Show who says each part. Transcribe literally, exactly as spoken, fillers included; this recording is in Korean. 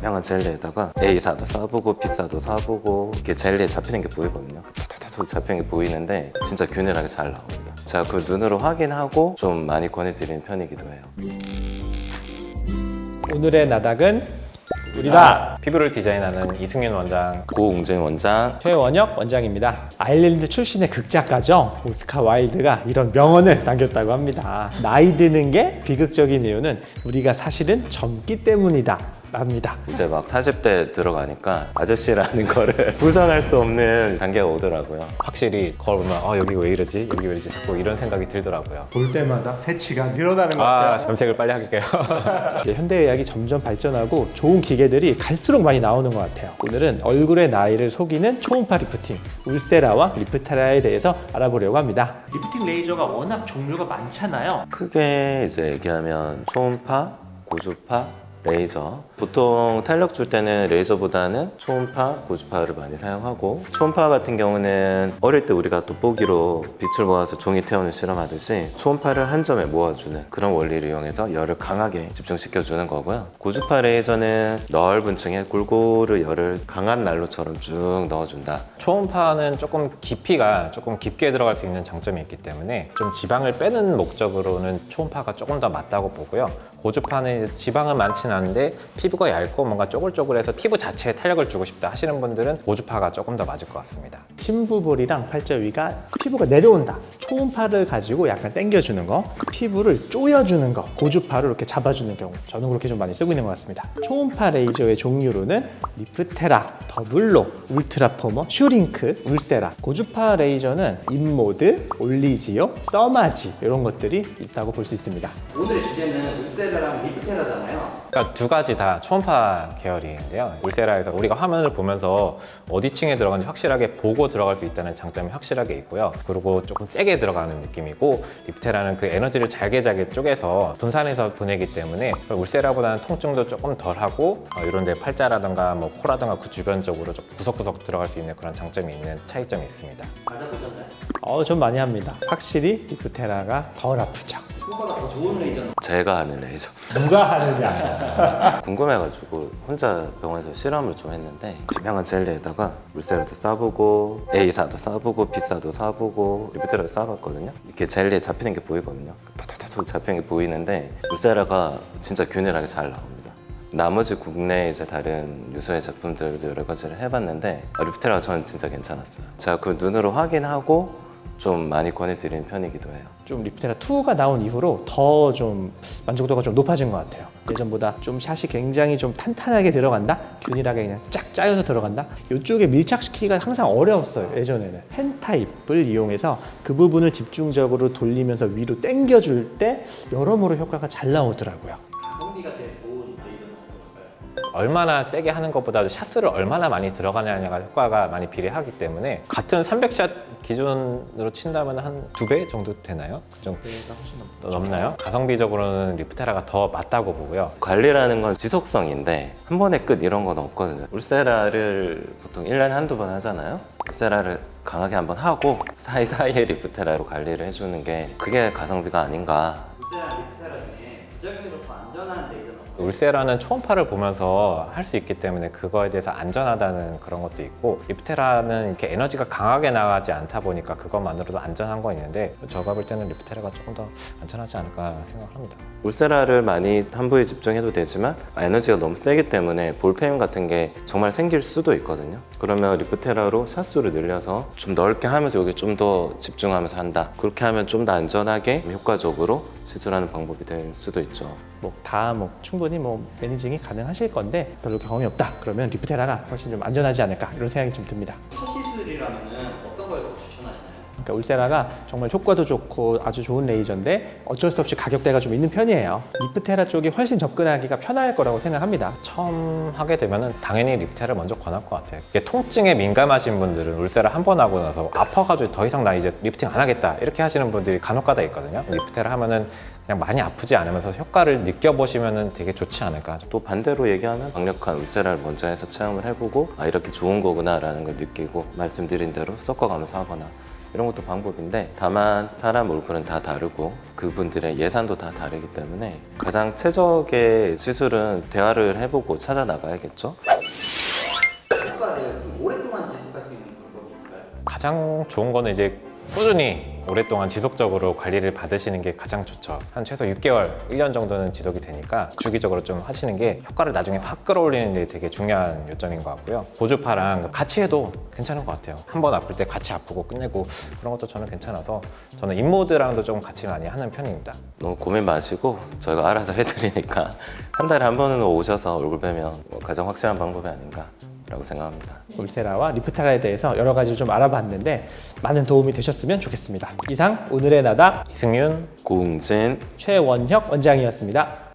Speaker 1: 투명한 젤리에다가 A사도 써보고 B사도 써보고 이렇게 젤리에 잡히는 게 보이거든요. 톡톡톡 잡히는 게 보이는데 진짜 균일하게 잘 나옵니다. 제가 그걸 눈으로 확인하고 좀 많이 권해드리는 편이기도 해요.
Speaker 2: 오늘의 나닥은 우리다.
Speaker 3: 피부를 디자인하는 이승윤 원장,
Speaker 1: 고웅진 원장,
Speaker 2: 최원혁 원장입니다. 아일랜드 출신의 극작가죠. 오스카 와일드가 이런 명언을 남겼다고 합니다. 나이 드는 게 비극적인 이유는 우리가 사실은 젊기 때문이다 랍니다.
Speaker 1: 이제 막 사십 대 들어가니까 아저씨라는 거를 부정할 수 없는 단계가 오더라고요.
Speaker 3: 확실히 거울 보면 어, 여기 왜 이러지? 여기 왜 이러지? 자꾸 이런 생각이 들더라고요.
Speaker 2: 볼 때마다 새치가 늘어나는 것
Speaker 3: 아,
Speaker 2: 같아요.
Speaker 3: 염색을 빨리 할게요.
Speaker 2: 이제 현대의학이 점점 발전하고 좋은 기계들이 갈수록 많이 나오는 것 같아요. 오늘은 얼굴의 나이를 속이는 초음파 리프팅, 울세라와 리프테라에 대해서 알아보려고 합니다. 리프팅 레이저가 워낙 종류가 많잖아요.
Speaker 1: 크게 이제 얘기하면 초음파, 고주파, 레이저. 보통 탄력 줄 때는 레이저보다는 초음파, 고주파를 많이 사용하고, 초음파 같은 경우는 어릴 때 우리가 돋보기로 빛을 모아서 종이 태우는 실험하듯이 초음파를 한 점에 모아주는 그런 원리를 이용해서 열을 강하게 집중시켜주는 거고요. 고주파 레이저는 넓은 층에 골고루 열을 강한 난로처럼 쭉 넣어준다.
Speaker 3: 초음파는 조금 깊이가 조금 깊게 들어갈 수 있는 장점이 있기 때문에 좀 지방을 빼는 목적으로는 초음파가 조금 더 맞다고 보고요. 고주파는 지방은 많지는 않은데 피부가 얇고 뭔가 쪼글쪼글해서 피부 자체에 탄력을 주고 싶다 하시는 분들은 고주파가 조금 더 맞을 것 같습니다.
Speaker 2: 심부볼이랑 팔자 위가 피부가 내려온다. 초음파를 가지고 약간 당겨주는 거, 피부를 조여주는 거, 고주파로 이렇게 잡아주는 경우, 저는 그렇게 좀 많이 쓰고 있는 것 같습니다. 초음파 레이저의 종류로는 리프테라, 더블로, 울트라포머, 슈링크, 울세라. 고주파 레이저는 인모드, 올리지오, 써마지 이런 것들이 있다고 볼 수 있습니다.
Speaker 4: 오늘의 주제는 울세라랑 리프테라잖아요.
Speaker 3: 그러니까 두 가지 다 초음파 계열인데요. 울세라에서 우리가 화면을 보면서 어디 층에 들어가는지 확실하게 보고 들어갈 수 있다는 장점이 확실하게 있고요. 그리고 조금 세게 들어가는 느낌이고, 리프테라는 그 에너지를 잘게 잘게 쪼개서 분산해서 보내기 때문에 울세라보다는 통증도 조금 덜하고 어, 이런 데 팔자라든가 뭐 코라든가 그 주변 쪽으로 좀 구석구석 들어갈 수 있는 그런 장점이 있는 차이점이 있습니다.
Speaker 4: 맞아보셨나요?
Speaker 2: 어, 좀 많이 합니다. 확실히 리프테라가 덜 아프죠.
Speaker 4: 효과가 더 좋은 레이저는
Speaker 1: 제가 하는 레이저.
Speaker 2: 누가 하느냐.
Speaker 1: 궁금해가지고 혼자 병원에서 실험을 좀 했는데, 투명한 젤리에다가 울세라도 써보고 A사도 써보고 B사도 써보고 리프테라도 써봤거든요. 이렇게 젤리에 잡히는 게 보이거든요. 톡톡톡 잡히는 게 보이는데 울세라가 진짜 균일하게 잘 나옵니다. 나머지 국내 이제 다른 유수의 제품들도 여러 가지를 해봤는데 리프테라가 저는 진짜 괜찮았어요. 제가 그걸 눈으로 확인하고 좀 많이 권해드리는 편이기도 해요.
Speaker 2: 좀 리프테라 투가 나온 이후로 더 좀 만족도가 좀 높아진 것 같아요. 예전보다 좀 샷이 굉장히 좀 탄탄하게 들어간다? 균일하게 그냥 쫙 짜여서 들어간다? 이쪽에 밀착시키기가 항상 어려웠어요, 예전에는. 펜 타입을 이용해서 그 부분을 집중적으로 돌리면서 위로 당겨줄 때 여러모로 효과가 잘 나오더라고요.
Speaker 4: 가성비가 제일 좋은 레이저는 어떤 걸까요?
Speaker 3: 얼마나 세게 하는 것보다도 샷수를 얼마나 많이 들어가냐가 효과가 많이 비례하기 때문에 같은 삼백 샷 기준으로 친다면 한 두 배 정도 되나요? 그 정도 넘나요? 가성비적으로는 리프테라가 더 맞다고 보고요.
Speaker 1: 관리라는 건 지속성인데 한 번에 끝 이런 건 없거든요. 울세라를 보통 일 년에 한두 번 하잖아요. 울세라를 강하게 한번 하고 사이사이에 리프테라로 관리를 해주는 게 그게 가성비가 아닌가.
Speaker 4: 울세라랑 리프테라 중에 부작용이 더 안전한 레이저는 어떤
Speaker 3: 울세라는 초음파를 보면서 할 수 있기 때문에 그거에 대해서 안전하다는 그런 것도 있고, 리프테라는 이렇게 에너지가 강하게 나가지 않다 보니까 그것만으로도 안전한 건 있는데, 제가 볼 때는 리프테라가 조금 더 안전하지 않을까 생각을 합니다.
Speaker 1: 울세라를 많이 한 부위에 집중해도 되지만 에너지가 너무 세기 때문에 볼페임 같은 게 정말 생길 수도 있거든요. 그러면 리프테라로 샷수를 늘려서 좀 넓게 하면서 여기 좀 더 집중하면서 한다. 그렇게 하면 좀 더 안전하게 효과적으로 시술하는 방법이 될 수도 있죠.
Speaker 2: 뭐 다 뭐 충분히 뭐 매니징이 가능하실 건데 별로 경험이 없다. 그러면 리프테라가 훨씬 좀 안전하지 않을까 이런 생각이 좀 듭니다.
Speaker 4: 첫 시술이라면 어떤 걸 더 추천하시나요?
Speaker 2: 그러니까 울세라가 정말 효과도 좋고 아주 좋은 레이저인데 어쩔 수 없이 가격대가 좀 있는 편이에요. 리프테라 쪽이 훨씬 접근하기가 편할 거라고 생각합니다.
Speaker 3: 처음 하게 되면은 당연히 리프테라를 먼저 권할 것 같아요. 이게 통증에 민감하신 분들은 울세라 한 번 하고 나서 아파가지고 더 이상 나 이제 리프팅 안 하겠다 이렇게 하시는 분들이 간혹가다 있거든요. 리프테라 하면은 그냥 많이 아프지 않으면서 효과를 느껴보시면은 되게 좋지 않을까.
Speaker 1: 또 반대로 얘기하면 강력한 울세라를 먼저 해서 체험을 해보고 아 이렇게 좋은 거구나 라는 걸 느끼고 말씀드린 대로 섞어가면서 하거나 이런 것도 방법인데 다만 사람 얼굴은 다 다르고 그분들의 예산도 다 다르기 때문에 가장 최적의 시술은 대화를 해보고 찾아 나가야겠죠.
Speaker 4: 효과를 좀 오랫동안 지속할 수 있는 방법이 있을까요?
Speaker 3: 가장 좋은 거는 이제 꾸준히 오랫동안 지속적으로 관리를 받으시는 게 가장 좋죠. 한 최소 육 개월, 일 년 정도는 지속이 되니까 주기적으로 좀 하시는 게 효과를 나중에 확 끌어올리는 게 되게 중요한 요점인 것 같고요. 고주파랑 같이 해도 괜찮은 것 같아요. 한 번 아플 때 같이 아프고 끝내고 그런 것도 저는 괜찮아서 저는 인모드랑도 좀 같이 많이 하는 편입니다.
Speaker 1: 너무 고민 마시고 저희가 알아서 해드리니까 한 달에 한 번은 오셔서 얼굴 뵈면 뭐 가장 확실한 방법이 아닌가 라고 생각합니다.
Speaker 2: 울세라와 리프테라에 대해서 여러 가지 좀 알아봤는데 많은 도움이 되셨으면 좋겠습니다. 이상 오늘의 나다
Speaker 3: 이승윤
Speaker 1: 고웅진
Speaker 2: 최원혁 원장이었습니다.